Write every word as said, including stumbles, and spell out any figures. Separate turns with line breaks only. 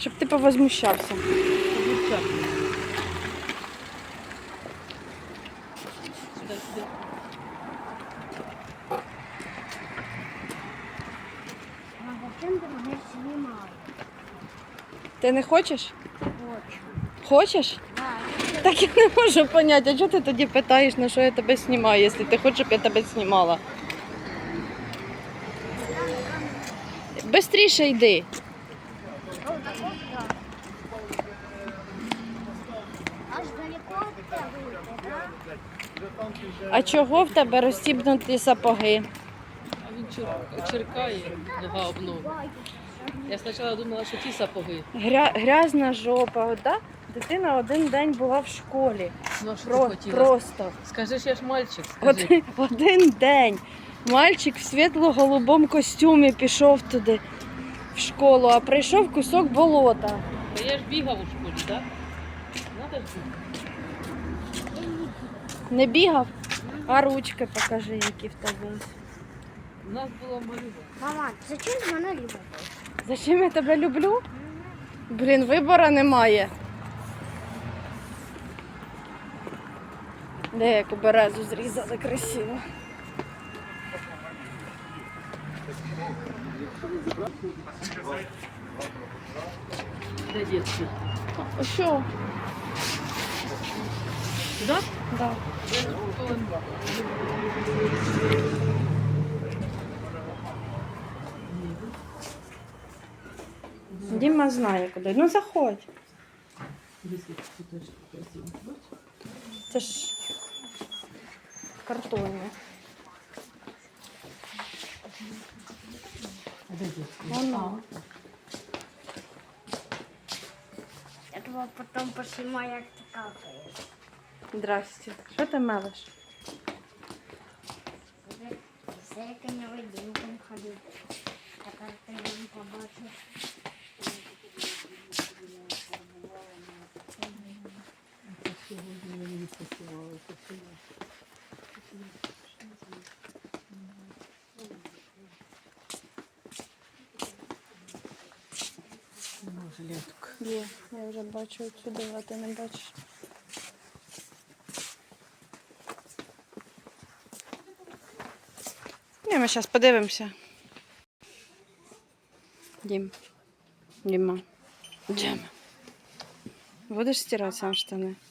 Щоб ти повозмущався.
Сюди, сюди.
А зачем ти мене знімаєш?
Ти не хочеш?
Хочу.
Хочеш?
Так.
Так я не можу зрозуміти, а чого ти тоді питаєш, на що я тебе знімаю, якщо ти хочеш, щоб я тебе знімала? Бистріше йди.
Аж далеко від тебе йде, так?
А чого в тебе розстібнуті сапоги?
А він чир- черкає нога об ногу. Я спочатку думала, що ті сапоги.
Гря... Грязна жопа, от, да? Дитина один день була в школі.
Ну, а що
Про...
ти хотіла?
Просто.
Скажи, що я ж мальчик, скажи.
Один, один день. Мальчик в світло-голубому костюмі пішов туди в школу, а прийшов кусок болота.
Та я ж бігав у школі, так? Надо ж бігати.
Не бігав? А ручки покажи, які в тебе.
У нас була малюва.
Мама, зачем ти мене любиш?
Зачем я тебе люблю? Блін, вибору немає. Де яку березу зрізали красиво.
Де дітки?
А що?
Сюди?
Да. Діма знає куди. Ну заходь. Це ж картонне.
Де дітки?
Воно.
Я тебе потім поснімаю, як ти какаєш.
Здрасте. Що ти мелиш?
З яким невидимком ходив. Тепер ти не побачиш.
Сьогодні мені не працювало. Нема жилеток.
Є, я вже бачу отсюди, а ти не бачиш. Ні, ми зараз подивимося. Дім. Діма. Діма. Будеш стирати сам штани?